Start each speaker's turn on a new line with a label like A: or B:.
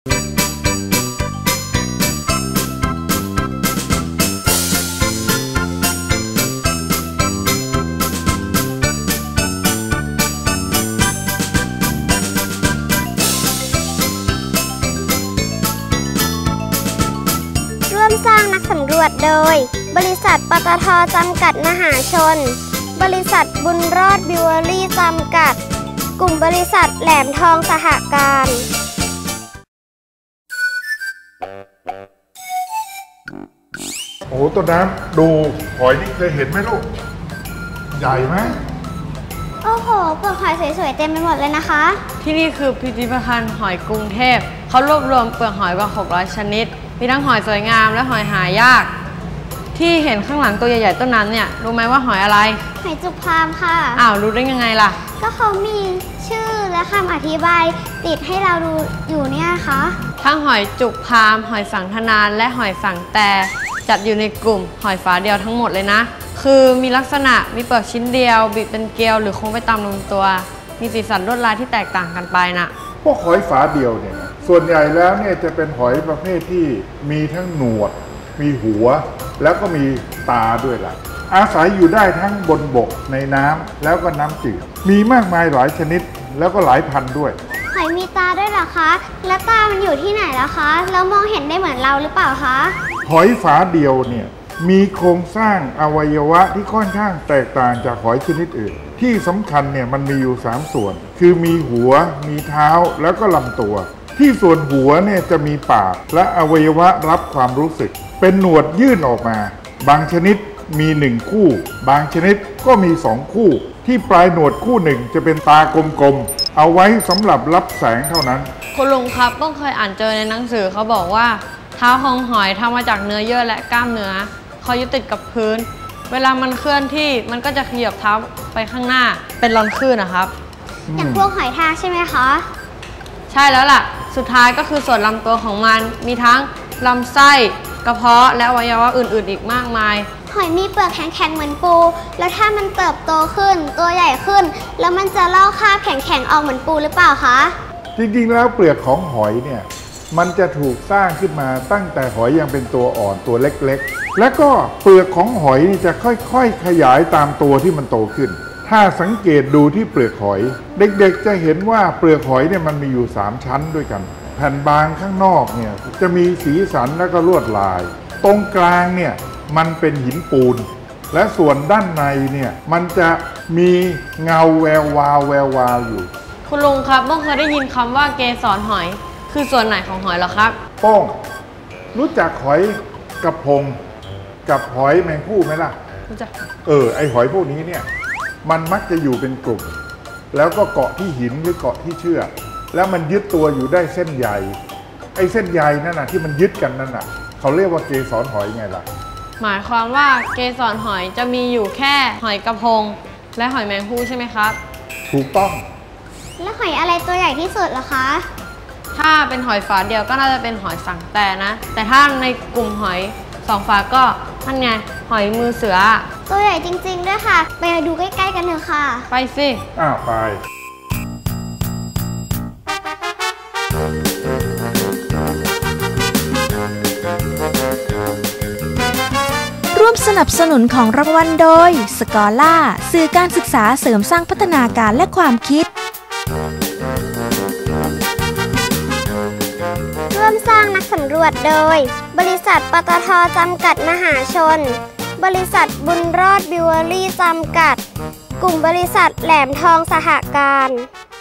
A: ร่วมสร้างนักสำรวจโดยบริษัทปตท.จำกัดมหาชนบริษัทบุญรอดบิวเวอรี่จำกัดกลุ่มบริษัทแหลมทองสหการ
B: โอ้ต้นน้ำดูหอยนี่เคยเห็นไหมลูกใหญ่ไหม
A: โอ้โหเปลือกหอยสวยๆเต็มไปหมดเลยนะคะ
C: ที่นี่คือพิพิธภัณฑ์หอยกรุงเทพเขารวบรวมเปลือกหอยกว่า600ชนิดมีทั้งหอยสวยงามและหอยหายากที่เห็นข้างหลังตัวใหญ่ๆต้นนั้นเนี่ยรู้ไหมว่าหอยอะไร
A: หอยจุกพามค่ะ
C: อ้าวรู้ได้ยังไงล่ะ
A: ก็เขามีชื่อและคำอธิบายติดให้เราดูอยู่เนี่ยคะ
C: ทั้งหอยจุกพามหอยสังทนานและหอยสังแต่จัดอยู่ในกลุ่มหอยฝาเดียวทั้งหมดเลยนะคือมีลักษณะมีเปลือกชิ้นเดียวบิดเป็นเกลียวหรือโค้งไปตามลำตัวมีสีสันลวดลายที่แตกต่างกันไปนะ
B: พวกหอยฝาเดียวเนี่ยส่วนใหญ่แล้วเนี่ยจะเป็นหอยประเภทที่มีทั้งหนวดมีหัวแล้วก็มีตาด้วยล่ะอาศัยอยู่ได้ทั้งบนบกในน้ำแล้วก็น้ำจืดมีมากมายหลายชนิดแล้วก็หลายพันด้วย
A: หอยมีตาด้วยเหรอคะแล้วตามันอยู่ที่ไหนล่ะคะแล้วมองเห็นได้เหมือนเราหรือเปล่าคะ
B: หอยฝาเดียวเนี่ยมีโครงสร้างอวัยวะที่ค่อนข้างแตกต่างจากหอยชนิดอื่นที่สำคัญเนี่ยมันมีอยู่3ส่วนคือมีหัวมีเท้าแล้วก็ลำตัวที่ส่วนหัวเนี่ยจะมีปากและอวัยวะรับความรู้สึกเป็นหนวดยื่นออกมาบางชนิดมี1คู่บางชนิดก็มี2คู่ที่ปลายหนวดคู่หนึ่งจะเป็นตากลมๆเอาไว้สำหรับรับแสงเท่านั้น
C: คุณลุงครับต้องเคยอ่านเจอในหนังสือเขาบอกว่าเท้าของหอยทำมาจากเนื้อเยื่อและกล้ามเนื้อเขายึดติดกับพื้นเวลามันเคลื่อนที่มันก็จะขยับเท้าไปข้างหน้าเป็นรอนคลื่นนะครับ
A: อย่างพวกหอยทากใช่ไหมคะ
C: ใช่แล้วล่ะสุดท้ายก็คือส่วนลำตัวของมันมีทั้งลำไส้กระเพาะและอวัยวะอื่นๆอีกมากมาย
A: หอยมีเปลือกแข็งๆเหมือนปูแล้วถ้ามันเติบโตขึ้นตัวใหญ่ขึ้นแล้วมันจะลอกคราบแข็งๆออกเหมือนปูหรือเปล่าคะ
B: จริงๆแล้วเปลือกของหอยเนี่ยมันจะถูกสร้างขึ้นมาตั้งแต่หอยยังเป็นตัวอ่อนตัวเล็กๆและก็เปลือกของหอยจะค่อยๆขยายตามตัวที่มันโตขึ้นถ้าสังเกตดูที่เปลือกหอยเด็กๆจะเห็นว่าเปลือกหอยเนี่ยมันมีอยู่3ชั้นด้วยกันแผ่นบางข้างนอกเนี่ยจะมีสีสันและก็ลวดลายตรงกลางเนี่ยมันเป็นหินปูนและส่วนด้านในเนี่ยมันจะมีเงาแวววาวอยู่
C: คุณลุงครับต้องเคยได้ยินคำว่าเกสรหอยคือส่วนไหนของหอยเหรอครับ
B: โป้งรู้จักหอยกระพงกับหอยแมงผู้ไหมล่ะ
C: รู้จัก
B: ไอหอยพวกนี้เนี่ยมันมักจะอยู่เป็นกลุ่มแล้วก็เกาะที่หินหรือเกาะที่เชือกแล้วมันยึดตัวอยู่ได้เส้นใยไอเส้นใยนั่นน่ะที่มันยึดกันนั่นน่ะเขาเรียกว่าเกสรหอยไงล่ะ
C: หมายความว่าเกสรหอยจะมีอยู่แค่หอยกระพงและหอยแมงผู้ใช่ไหมครับ
B: ถูกต้อง
A: แล้วหอยอะไรตัวใหญ่ที่สุดล่ะคะ
C: ถ้าเป็นหอยฝาเดียวก็น่าจะเป็นหอยสังแต่นะแต่ถ้าในกลุ่มหอย2ฝาก็นั่นไงหอยมือเสือ
A: ตัวใหญ่จริงๆด้วยค่ะไปดูใกล้ๆกันเถอะค่ะ
C: ไปสิ
B: ไป
D: ร่วมสนับสนุนของรางวัลโดยสกอล่าสื่อการศึกษาเสริมสร้างพัฒนาการและความคิด
A: ร่วมสร้างนักสำรวจโดยบริษัทปตท.จำกัดมหาชนบริษัทบุญรอดบิวเวอรี่จำกัดกลุ่มบริษัทแหลมทองสหการ